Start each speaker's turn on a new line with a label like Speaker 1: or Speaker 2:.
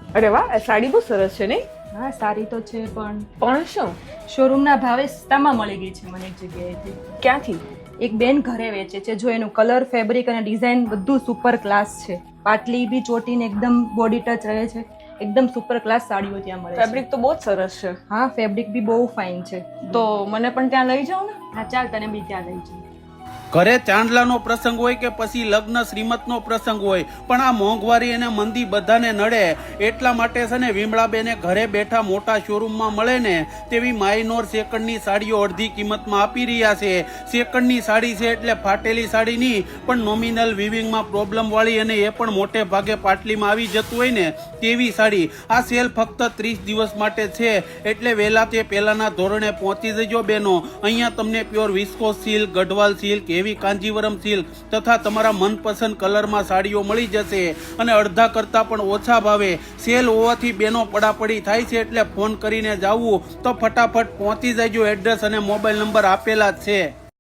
Speaker 1: અરે વાહ, આ સાડી બહુ સરસ છે નહીં?
Speaker 2: હા સારી તો છે
Speaker 1: પણ શું?
Speaker 2: શોરૂમના ભાવે સસ્તામાં મળી ગઈ છે મને એક જગ્યાએથી.
Speaker 1: ક્યાંથી?
Speaker 2: એક બેન ઘરે વેચે છે, જો એનું કલર, ફેબ્રિક અને ડિઝાઇન બધું સુપર ક્લાસ છે. પાટલી બી ચોટીને એકદમ બોડી ટચ રહે છે, એકદમ સુપર ક્લાસ સાડીઓ ત્યાં મળે છે.
Speaker 1: ફેબ્રિક તો બહુ જ સરસ છે.
Speaker 2: હા ફેબ્રિક બી બહુ ફાઇન છે.
Speaker 1: તો મને પણ ત્યાં લઈ જાઓ ને.
Speaker 2: હા ચાલ તને બી ત્યાં લઈ જઈએ.
Speaker 3: ઘરે ચાંદલાનો પ્રસંગ હોય કે પછી લગ્ન શ્રીમતનો પ્રસંગ હોય, પણ આ મોંઘવારી અને મંદી બધાને નડે. એટલા માટે છે ને વિમળાબેને ઘરે બેઠા મોટા શોરૂમમાં મળે ને તેવી માઇનોર સેકન્ડની સાડીઓ અડધી કિંમતમાં આપી રહ્યા છે. સેકન્ડની સાડી છે એટલે ફાટેલી સાડી નહીં, પણ નોમિનલ વિવિંગમાં પ્રોબ્લેમ વાળી અને એ પણ મોટે ભાગે પાટલીમાં આવી જતું હોય ને તેવી સાડી. આ સેલ ફક્ત 30 દિવસ માટે છે, એટલે વહેલા તે પહેલાના ધોરણે પહોંચી જજો બેનો. અહીંયા તમને pure viscose silk, Garhwal silk, એવી કાંજીવરમ સિલ્ક તથા તમારા મનપસંદ કલરમાં સાડીઓ મળી જશે અને અડધા કરતાં પણ ઓછા ભાવે. સેલ હોવાથી બેનો પડાપડી થાય છે, એટલે ફોન કરીને જાવું તો ફટાફટ પહોંચી જજો. એડ્રેસ અને મોબાઈલ નંબર આપેલા જ છે.